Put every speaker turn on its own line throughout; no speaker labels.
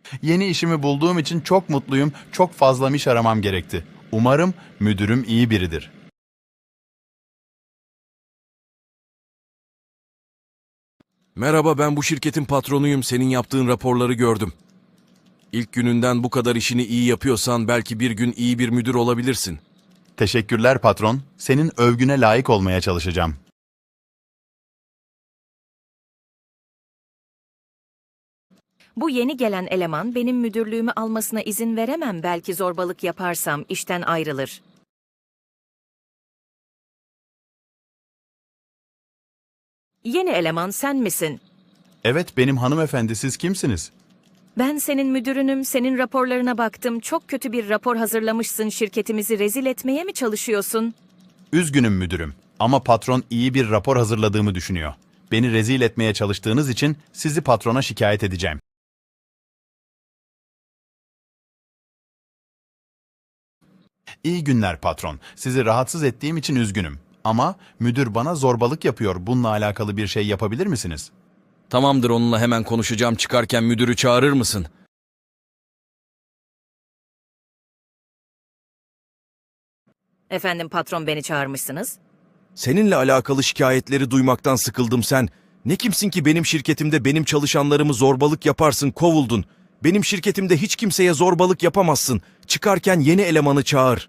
Yeni işimi bulduğum için çok mutluyum. Çok fazla iş aramam gerekti. Umarım müdürüm iyi biridir.
Merhaba, ben bu şirketin patronuyum. Senin yaptığın raporları gördüm. İlk gününden bu kadar işini iyi yapıyorsan belki bir gün iyi bir müdür olabilirsin.
Teşekkürler patron. Senin övgüne layık olmaya çalışacağım.
Bu yeni gelen eleman benim müdürlüğümü almasına izin veremem. Belki zorbalık yaparsam işten ayrılır. Yeni eleman sen misin?
Evet benim hanımefendi, siz kimsiniz?
Ben senin müdürünüm, senin raporlarına baktım. Çok kötü bir rapor hazırlamışsın. Şirketimizi rezil etmeye mi çalışıyorsun?
Üzgünüm müdürüm ama patron iyi bir rapor hazırladığımı düşünüyor. Beni rezil etmeye çalıştığınız için sizi patrona şikayet edeceğim. İyi günler patron. Sizi rahatsız ettiğim için üzgünüm. Ama müdür bana zorbalık yapıyor. Bununla alakalı bir şey yapabilir misiniz?
Tamamdır, onunla hemen konuşacağım. Çıkarken müdürü çağırır mısın?
Efendim patron beni çağırmışsınız.
Seninle alakalı şikayetleri duymaktan sıkıldım sen. Ne kimsin ki benim şirketimde benim çalışanlarımı zorbalık yaparsın, kovuldun. Benim şirketimde hiç kimseye zorbalık yapamazsın. Çıkarken yeni elemanı çağır.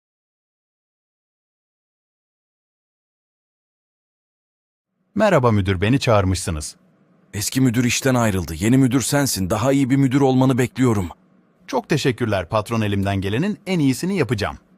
Merhaba müdür, beni çağırmışsınız.
Eski müdür işten ayrıldı. Yeni müdür sensin. Daha iyi bir müdür olmanı bekliyorum.
Çok teşekkürler patron, elimden gelenin en iyisini yapacağım.